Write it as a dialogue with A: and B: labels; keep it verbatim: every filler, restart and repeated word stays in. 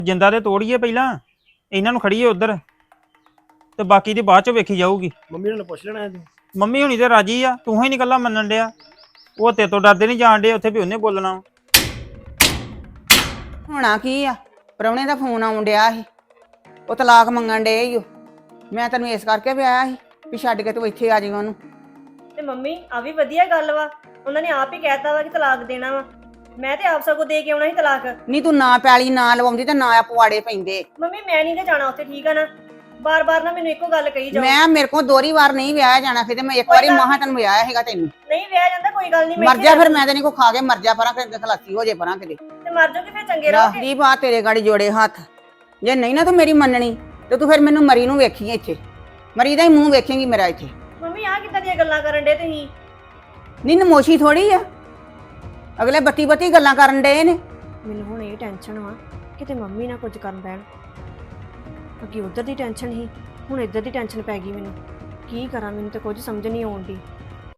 A: ਜਿੰਦਾ ਤੇ ਤੋੜੀਏ ਪਹਿਲਾਂ, ਇਹਨਾਂ ਨੂੰ ਖੜੀਏ ਉਧਰ ਤੇ ਬਾਕੀ ਦੀ ਬਾਅਦ ਚ ਵੇਖੀ ਜਾਊਗੀ।
B: ਮੰਮੀ ਨੂੰ ਪੁੱਛ ਲੈਣਾ ਤੂੰ।
A: ਮੰਮੀ ਹੁਣੀ ਤੇ ਰਾਜੀ ਆ, ਤੂੰ ਹੀ ਨੀ ਕੱਲਾ ਮੰਨਣ ਡਿਆ। ਉਹ ਤੇ ਤੋਂ ਡਰਦੇ ਨਹੀਂ ਜਾਣ ਡੇ ਉੱਥੇ ਵੀ ਉਹਨੇ ਬੋਲਣਾ।
C: ਹੋਣਾ ਕੀ ਆ, ਪ੍ਰਾਹੁਣੇ ਦਾ ਫੋਨ ਆਉਣ ਡਿਆ ਸੀ, ਉਹ ਤਲਾਕ ਮੰਗਣ ਡੇ ਈ ਓ। ਮੈਂ ਤੈਨੂੰ ਇਸ ਕਰਕੇ ਵੀ ਆਇਆ ਸੀ ਵੀ ਛੱਡ ਕੇ ਤੂੰ ਇੱਥੇ ਆ ਜਾਈਂ ਉਹਨੂੰ।
D: ਤੇ ਮੰਮੀ ਆ ਵੀ ਵਧੀਆ ਗੱਲ ਵਾ, ਉਹਨਾਂ ਨੇ ਆਪ ਹੀ ਕਹਿਤਾ ਵਾ ਕਿ ਤਲਾਕ ਦੇਣਾ ਵਾ। ਮੈਂ ਤੇ ਆਪ ਸਗੋਂ ਦੇ ਕੇ ਆਉਣਾ ਸੀ ਤਲਾਕ।
C: ਨਹੀਂ ਤੂੰ ਨਾ ਪੈਲੀ ਨਾ ਲਵਾਉਂਦੀ ਤੇ ਨਾ ਪਵਾੜੇ ਪੈਂਦੇ।
D: ਮੰਮੀ ਮੈਂ ਨਹੀਂ ਤੇ ਜਾਣਾ ਉੱਥੇ, ਠੀਕ ਆ ਨਾ। ਬਾਰ ਬਾਰ ਨਾ ਮੈਨੂੰ ਇੱਕੋ ਗੱਲ ਕਹੀ ਜਾਓ।
C: ਮੈਂ ਮੇਰੇ ਕੋਲ ਦੋਹਰੀ ਵਾਰ ਨਹੀਂ ਵਿਆਹਿਆ ਜਾਣਾ, ਫਿਰ ਮੈਂ ਇੱਕ ਵਾਰੀ ਮਹਾ ਤੈਨੂੰ ਵਿਆਹਿਆ ਹੈਗਾ। ਤੈਨੂੰ
D: ਨਹੀਂ ਵਿਆਹ ਜਾਂਦਾ, ਕੋਈ ਗੱਲ ਨਹੀਂ।
C: ਮਰ ਜਾ ਫਿਰ, ਮੈਂ ਤੇ ਨਹੀਂ ਕੋ ਖਾ ਕੇ ਮਰ ਜਾ ਪਰਾਂ, ਕਿਤੇ ਖਲਾਸੀ ਹੋ ਜੇ ਪਰਾਂ ਕਿਤੇ।
D: ਤੇ ਮਰ ਜਾਓਗੇ ਫਿਰ ਚੰਗੇ ਰਹੋਗੇ।
C: ਦੀ ਬਾਤ ਤੇਰੇ ਗਾੜੀ ਜੋੜੇ ਹੱਥ, ਜੇ ਨਹੀਂ ਨਾ ਤੂੰ ਮੇਰੀ ਮੰਨਣੀ ਤੇ ਤੂੰ ਫਿਰ ਮੈਨੂੰ ਮਰੀ ਨੂੰ ਵੇਖੀ ਇੱਥੇ, ਮਰੀ ਦਾ ਹੀ ਮੂੰਹ ਵੇਖੇਂਗੀ ਮੇਰਾ ਇੱਥੇ।
D: ਮੰਮੀ ਆ ਕਿੱਦਾਂ ਦੀਆਂ ਗੱਲਾਂ ਕਰਨ ਡੇ ਤੁਸੀਂ?
C: ਨਹੀਂ ਨਮੋਸ਼ੀ ਥੋੜੀ ਆ, ਅਗਲੇ ਬੱਤੀ ਬੱਤੀ ਗੱਲਾਂ ਕਰਨ ਡੇ ਨੇ।
D: ਮੈਨੂੰ ਹੁਣ ਇਹ ਟੈਨਸ਼ਨ ਵਾ ਕਿਤੇ ਮੰਮੀ ਨਾ ਕੁਝ ਕਰਨ ਪੈਣ। ਅੱਗੇ ਉਧਰ ਦੀ ਟੈਨਸ਼ਨ ਸੀ, ਹੁਣ ਇੱਧਰ ਦੀ ਟੈਨਸ਼ਨ ਪੈ ਗਈ ਮੈਨੂੰ। ਕੀ ਕਰਾਂ, ਮੈਨੂੰ ਤੇ ਕੁਝ ਸਮਝ ਨਹੀਂ ਆਉਂਦੀ।